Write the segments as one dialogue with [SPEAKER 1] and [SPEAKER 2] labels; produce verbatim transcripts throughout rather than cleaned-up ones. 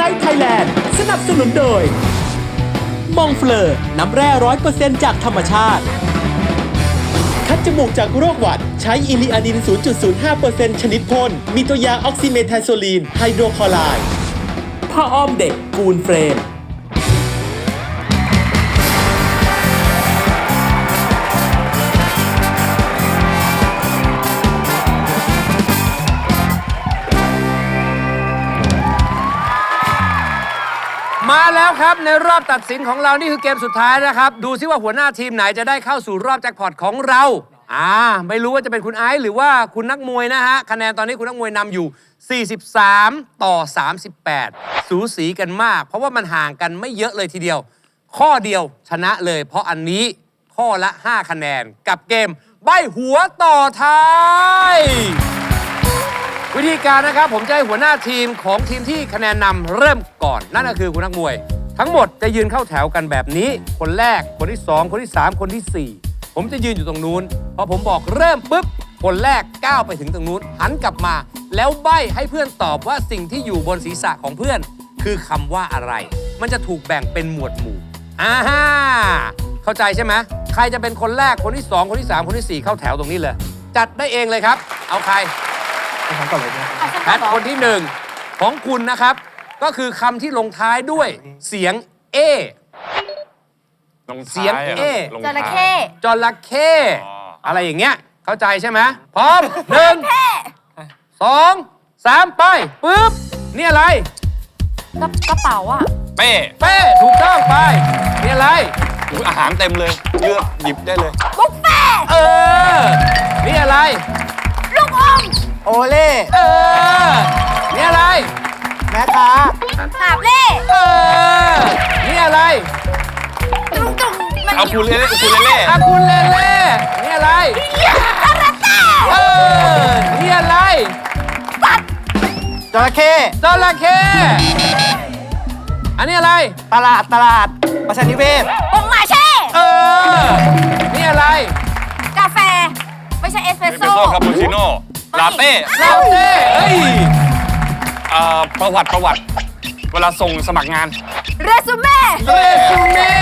[SPEAKER 1] Night Thailand สนับสนุนโดยมองเฟลอน้ำแร่ร้อยเปอร์เซ็นต์จากธรรมชาติคัดจมูกจากโรคหวัดใช้อิลิอาดิน ศูนย์จุดศูนย์ห้าเปอร์เซ็นต์ ชนิดพ่นมีตัวยาออกซิเมทาโซลีนไฮโดรคลอไรด์ผ้าอ้อมเด็กกูลเฟรม
[SPEAKER 2] มาแล้วครับในรอบตัดสินของเรานี่คือเกมสุดท้ายนะครับดูซิว่าหัวหน้าทีมไหนจะได้เข้าสู่รอบแจ็คพอตของเราอ่าไม่รู้ว่าจะเป็นคุณไอซ์หรือว่าคุณนักมวยนะฮะคะแนนตอนนี้คุณนักมวยนำอยู่สี่สิบสามต่อสามสิบแปดสูสีกันมากเพราะว่ามันห่างกันไม่เยอะเลยทีเดียวข้อเดียวชนะเลยเพราะอันนี้ข้อละห้าคะแนนกับเกมใบ้หัวต่อท้ายวิธีการนะครับผมจะให้หัวหน้าทีมของทีมที่คะแนนนำเริ่มก่อนนั่นก็คือคุณนักมวยทั้งหมดจะยืนเข้าแถวกันแบบนี้คนแรกคนที่สองคนที่สามคนที่สี่ผมจะยืนอยู่ตรงนู้นพอผมบอกเริ่มปุ๊บคนแรกก้าวไปถึงตรงนู้นหันกลับมาแล้วใบ้ให้เพื่อนตอบว่าสิ่งที่อยู่บนศีรษะของเพื่อนคือคำว่าอะไรมันจะถูกแบ่งเป็นหมวดหมู่อ่าฮ่าเข้าใจใช่ไหมใครจะเป็นคนแรกคนที่สองคนที่สามคนที่สี่เข้าแถวตรงนี้เลยจัดได้เองเลยครับเอาใครแพทคนที่หนึ่งของคุณนะครับก็คือคำที่ลงท้ายด้วยเสียงเอเสียงเอ
[SPEAKER 3] จระเข้
[SPEAKER 2] จระเข้อะไรอย่างเงี้ยเข้าใจใช่ไหมพร้อมหนึ่งสองสามไปปึ๊บนี่อะไร
[SPEAKER 3] กระเป๋าอ่ะ
[SPEAKER 4] เป้
[SPEAKER 2] เป้ถูกต้องไปนี่อะไร
[SPEAKER 4] อาหารเต็มเลยเลือกหยิบได้เลย
[SPEAKER 3] บุฟเฟ่
[SPEAKER 2] เออนี่อะไร
[SPEAKER 3] ลูกอม
[SPEAKER 5] โอเล่
[SPEAKER 2] เออนี่อะไร
[SPEAKER 5] แม่ค้า
[SPEAKER 3] หาบเล่
[SPEAKER 2] เออนี่อะไร
[SPEAKER 3] จุ่มจุ่มมัน
[SPEAKER 4] เอาคูเล่คูเล่เล่
[SPEAKER 2] อากุลเล่เล่นี่อะไร
[SPEAKER 3] คาราเต้
[SPEAKER 2] เออนี่อะไร
[SPEAKER 5] จระเข้
[SPEAKER 2] จระเข้อันนี้อะไร
[SPEAKER 5] ตลาดตลาดประชานิเวศ
[SPEAKER 3] ปงมาเช่
[SPEAKER 2] เออนี่อะไร
[SPEAKER 3] กาแฟ ไม่ใช่เอสเปร
[SPEAKER 4] เอ
[SPEAKER 3] ส
[SPEAKER 4] สเปร
[SPEAKER 3] โซ่
[SPEAKER 4] สโซ่คาปูชิโน่ลาเต้
[SPEAKER 2] ลาเต้เอ้ย
[SPEAKER 4] เอ่อประวัติประวัติ เวลาส่งสมัครงาน
[SPEAKER 3] เรซูเม่
[SPEAKER 2] เรซูเม่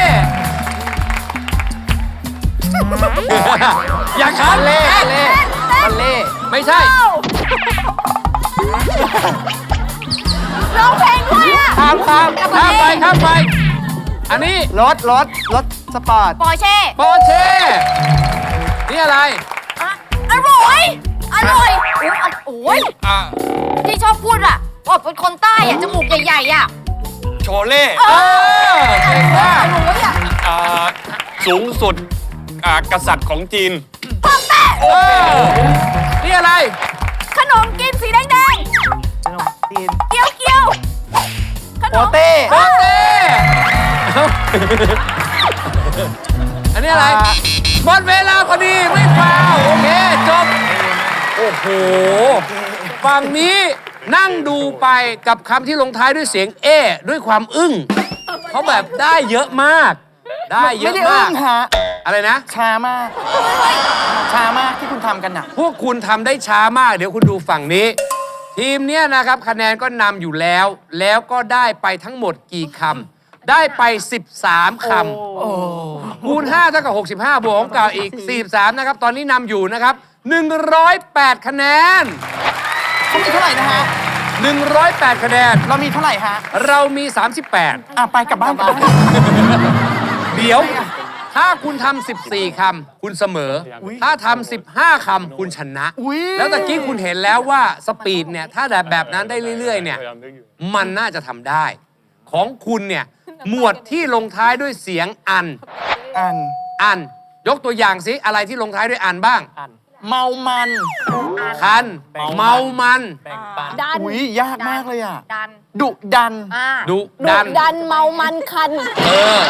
[SPEAKER 2] อย่าคันเล่เล่มันเล่ไม่ใช่
[SPEAKER 3] ร้องเพลงด้วยอ่ะ
[SPEAKER 2] ข้ามข้ามข้ามไปข้ามไป อันนี้
[SPEAKER 5] รถรถรถสปอร์ต
[SPEAKER 3] ปอร์เช่
[SPEAKER 2] ปอร์เช่นี่อะไร
[SPEAKER 3] อะอร่อย อร่อยโอ้ยโอ้ย
[SPEAKER 4] อ่ะ
[SPEAKER 3] ที่ชอบพูดอ่ะว่าเป็นคนใต้อ่ะ จมูกใหญ่ๆอ่ะ
[SPEAKER 4] โชเล่
[SPEAKER 2] เออเก่งมาก
[SPEAKER 3] อร่อยอ่ะ
[SPEAKER 4] อ่าสูงสุดอ่ากษัตริย์ของจีน
[SPEAKER 3] ปองแป้
[SPEAKER 2] เออนี่อะไร
[SPEAKER 3] ขนมกินสีแดง
[SPEAKER 5] ขนมจีน
[SPEAKER 3] ๆ เกี๊ยวเกี๊ยวขน
[SPEAKER 5] โป
[SPEAKER 3] ม
[SPEAKER 5] เต้
[SPEAKER 2] โปเต้เอ้าอันนี้อะไรหมดเวลาพอดีไม่ฟาวโอเคจบ โอ้โห ฝั่งนี้นั่งดูไปกับคำที่ลงท้ายด้วยเสียงเอด้วยความอึ้งเขาแบบได้เยอะมาก ได้เย
[SPEAKER 5] ไม่
[SPEAKER 2] อะ
[SPEAKER 5] ได้
[SPEAKER 2] มา
[SPEAKER 5] อึ้
[SPEAKER 2] ก
[SPEAKER 5] งฮะ
[SPEAKER 2] อะไรนะ
[SPEAKER 5] ช้ามาก ช้ามากที่คุณทำกันน่ะ
[SPEAKER 2] พวกคุณทำได้ช้ามาก เดี๋ยวคุณดูฝั่งนี้ ทีมเนี้ยนะครับคะแนนก็นำอยู่แล้ว แล้วก็ได้ไปทั้งหมดกี่คำได้ไป สิบสาม คำคูณห้าเท่ากับหกสิบห้าบวกของเก่าอีกสี่สิบสามนะครับตอนนี้นำอยู่นะครับหนึ่งร้อยแปดคะแนน
[SPEAKER 5] เขามีเท่าไหร่นะฮะ
[SPEAKER 2] หนึ่งร้อยแปดคะแนน
[SPEAKER 5] เรามีเท่าไหร่ฮะ
[SPEAKER 2] เรามี สามสิบแปด
[SPEAKER 5] อ่ะไปกลับบ้านกัน
[SPEAKER 2] เดี๋ยว ถ้าคุณทำสิบสี่คำคุณเสมอ ถ้าทำสิบห้าคำคุณชนะ
[SPEAKER 5] อุ๊ย
[SPEAKER 2] แล้วตะกี้คุณเห็นแล้วว่าสปีดเนี่ย ถ้าแบบแบบนั้นได้เรื่อยๆ เนี่ย มันน่าจะทำได้ ของคุณเนี่ย หมวดที่ลงท้ายด้วยเสียงอัน
[SPEAKER 5] อัน
[SPEAKER 2] อัน ยกตัวอย่างสิอะไรที่ลงท้ายด้วยอันบ้าง
[SPEAKER 5] เมามัน
[SPEAKER 2] คัน เมามัน
[SPEAKER 3] ดัน
[SPEAKER 5] อุ้ยยากมากเลยอ่ะ
[SPEAKER 3] ดัน
[SPEAKER 5] ดุดัน
[SPEAKER 3] อ่า
[SPEAKER 2] ดุดัน
[SPEAKER 3] ดันเมามันคัน
[SPEAKER 2] เออ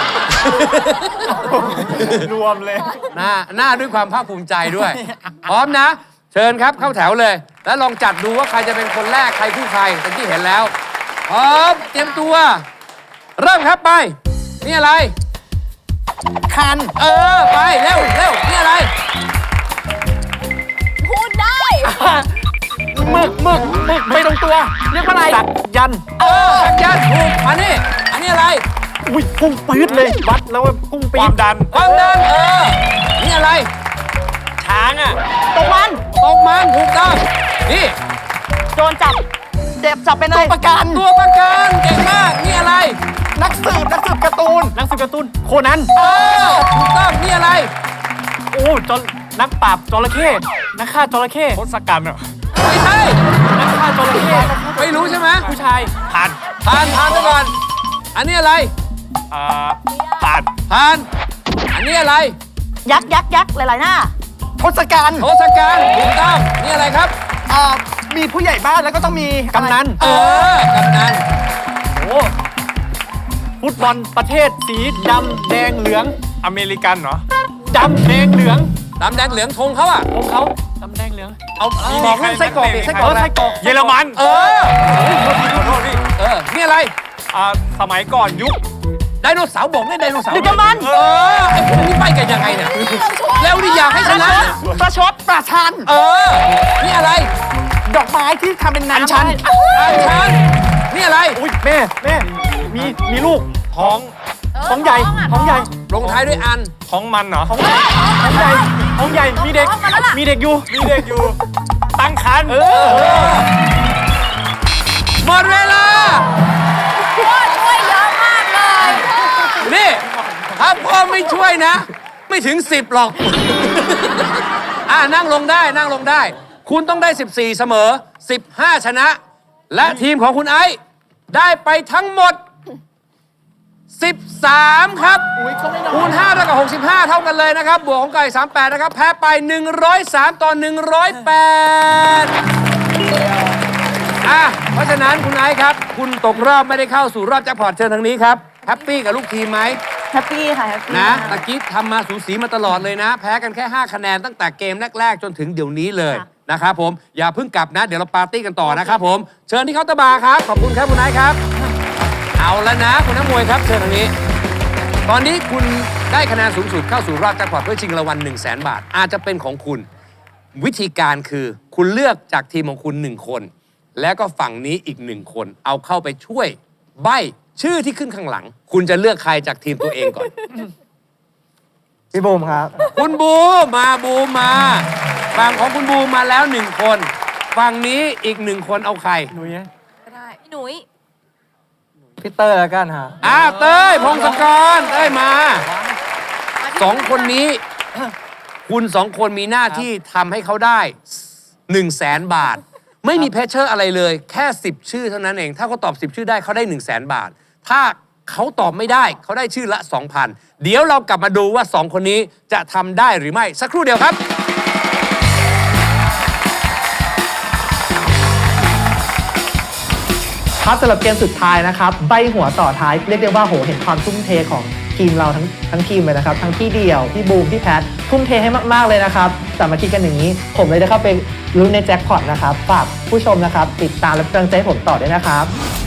[SPEAKER 5] รวมเลย
[SPEAKER 2] หน้าหน้าด้วยความภาคภูมิใจด้วย พร้อมนะ เชิญครับเข้าแถวเลย แล้วลองจัดดูว่าใครจะเป็นคนแรกใครคู่ใครตะกี้เห็นแล้ว พร้อมเตรียมตัว เริ่มครับไป นี่อะไร
[SPEAKER 5] คัน
[SPEAKER 2] เออ ไป เร็วเร็วนี่อะไร
[SPEAKER 3] พูดได้
[SPEAKER 5] นหมึกหมึกหมึกไม่ตรงตัว เรียกว่าอะไรสักยัน
[SPEAKER 2] เออสักยันถูกมานี่อันนี้อะไร
[SPEAKER 5] อุ้ยพุ่งปื๊ดเลย วัดแล้วว่าพุ่งปี๊
[SPEAKER 4] ความดัน
[SPEAKER 2] ความดันเออนี่อะไร
[SPEAKER 5] ช้างอ่ะ
[SPEAKER 3] ตกมัน
[SPEAKER 2] ตกมันถูกต้องนี่
[SPEAKER 3] โดนจับเจ็บจับไปเล
[SPEAKER 5] ตัวย ประกัน
[SPEAKER 2] ตัวประกันเก่งมากนี่อะไร
[SPEAKER 5] นักสืบนักสืบการ์ตูน นักสืบการ์ตูน โคนัน
[SPEAKER 2] เออถูกต้องนี่อะไร
[SPEAKER 5] โอ้จนนักปราบจระเข้นักฆ่าจระเข้
[SPEAKER 4] ทศกัณฐ์อ่ะ
[SPEAKER 2] ไม่ใช่
[SPEAKER 5] นักฆ่าจระเข้
[SPEAKER 2] ไม่รู้ใช่ไหม
[SPEAKER 5] ผู้ชาย
[SPEAKER 4] ผ่าน
[SPEAKER 2] ผ่านผ่านไปก่อนอันนี้อะไร
[SPEAKER 4] อ่าผ่าน
[SPEAKER 2] ผ่านอันนี้อะไร
[SPEAKER 3] ยักษ์ยักษ์ยักษ์หลายๆหน้า
[SPEAKER 5] ทศกัณฐ์
[SPEAKER 2] โทศกัณฐ์ถูกต้องนี่อะไรครับ
[SPEAKER 5] อ่ามีผู้ใหญ่บ้านแล้วก็ต้องมีกำนัน
[SPEAKER 2] เออกำนัน
[SPEAKER 5] โอ้ฟุตบอลประเทศสีดำแดงเหลือง
[SPEAKER 4] อเมริกันเหรอ
[SPEAKER 5] ดำแดงเหลือง
[SPEAKER 2] ดำแดงเหลืองธงเขาอะ
[SPEAKER 5] ของเขาดำแดงเหลือง
[SPEAKER 4] เอา
[SPEAKER 5] บอกลูกไส้กรอกดิไส้กรอก
[SPEAKER 4] เไส้กรอกเยอรมัน
[SPEAKER 2] เออ
[SPEAKER 4] ขอโทษพี่
[SPEAKER 2] เออนี่อะไร
[SPEAKER 4] อ่าสมัยก่อนยุค
[SPEAKER 2] ไดโนเสาร์บอกเนี่ยไดโนเสาร์
[SPEAKER 3] ดึกดำบรรพ์
[SPEAKER 2] เออไอ้พวกนี้ไปกันยังไงเนี่ยแล้วนี่อยากให้ชนะเนี่ย
[SPEAKER 5] ประชดประชัน
[SPEAKER 2] เออนี่อะไร
[SPEAKER 5] ดอกไม้ที่ทำเป็นน้ำ
[SPEAKER 2] อัญชันอัญชันนี่อะไร
[SPEAKER 5] อุ้ยแม่แม่มีมีลูก
[SPEAKER 4] ท้อง
[SPEAKER 5] ท้องใหญ่ท้องใหญ่
[SPEAKER 2] ลงท้ายด้วยอัน
[SPEAKER 4] ท้องมันเหรอ
[SPEAKER 5] ท้องใหญ่ท้องใหญ่ท้องใหญ่มีเด็กมีเด็กอยู่
[SPEAKER 4] มีเด็กอยู่ ตั้งครรภ์
[SPEAKER 5] เออ
[SPEAKER 2] หมดเวลา
[SPEAKER 3] ช่วยเยอะมากเลย
[SPEAKER 2] นี่ถ้าพ่อไม่ช่วยนะ ไม่ถึงสิบหรอก อ่านั่งลงได้นั่งลงได้ คุณต้องได้สิบสี่เสมอสิบห้าชนะ และทีมของคุณไอซ์ได้ไปทั้งหมดสิบสามครับ
[SPEAKER 5] อุ้ยก็ไม่น้อย
[SPEAKER 2] คูณห้าเท่ากับหกสิบห้าเท่ากันเลยนะครับ บวกของไก่สามสิบแปดนะครับ แพ้ไปหนึ่งร้อยสามต่อหนึ่งร้อยแปดอ่ะเพราะฉะนั้นคุณไอซ์ครับ คุณตกรอบไม่ได้เข้าสู่รอบแจ็คพอตเชิญทางนี้ครับแฮปปี้กับลูกทีมไหม
[SPEAKER 3] แฮปปี้ค่ะแฮปปี้
[SPEAKER 2] นะตะกี้ทำมาสูสีมาตลอดเลยนะ แพ้กันแค่ ห้า คะแนนตั้งแต่เกมแรก ๆ จนถึงเดี๋ยวนี้เลยนะครับผมอย่าเพิ่งกลับนะ เดี๋ยวเราปาร์ตี้กันต่อนะครับผม เชิญที่เคาน์เตอร์บาร์ครับ ขอบคุณครับคุณไอซ์ครับ เอาแล้วนะ คุณนักมวยครับ เชิญทางนี้ ตอนนี้คุณได้คะแนนสูงสุดเข้าสู่รอบแจ็คพอตเพื่อชิงรางวัล หนึ่งแสน บาท อาจจะเป็นของคุณ วิธีการคือคุณเลือกจากทีมของคุณหนึ่งคน แล้วก็ฝั่งนี้อีกหนึ่งคน เอาเข้าไปช่วยใบ้ชื่อที่ขึ้นข้างหลัง คุณจะเลือกใครจากทีมตัวเองก่อน
[SPEAKER 5] พี่บูมครับ
[SPEAKER 2] คุณบูมมาบูมมาฝั่งของคุณบูมมาแล้วหนึ่งคนฝั่งนี้อีกหนึ่งคนเอาใคร
[SPEAKER 5] หนุ่ย
[SPEAKER 3] ก็ได้พี่หนุ่ย
[SPEAKER 5] พี่เตอร์แล้วกันฮะ
[SPEAKER 2] อ่าเต้ยพงศกรเต้ยมาสองคนนี้ คุณสองคนมีหน้าที่ทำให้เขาได้หนึ่งแสนบาท ไม่มีเพชเชอร์อะไรเลย แค่สิบชื่อเท่านั้นเอง ถ้าเขาตอบสิบชื่อได้เขาได้หนึ่งแสนบาท ถ้าเขาตอบไม่ได้เขาได้ชื่อละ สองพัน เดี๋ยวเรากลับมาดูว่าสองคนนี้จะทำได้หรือไม่สักครู่เดียวครับ
[SPEAKER 6] ครับสำหรับเกมสุดท้ายนะครับใบหัวต่อท้ายเรียกได้ว่าโหเห็นความทุ่มเทของทีมเราทั้งทั้งทีมเลยนะครับทั้งพี่เดี่ยวพี่บูมพี่แพททุ่มเทให้มากๆเลยนะครับสามัคคีกันอย่างนี้ ผมเลยได้เข้าไปลุ้นในแจ็คพอตนะครับฝากผู้ชมนะครับติดตามและเป็นกำลังใจให้ผมต่อด้วยนะครับ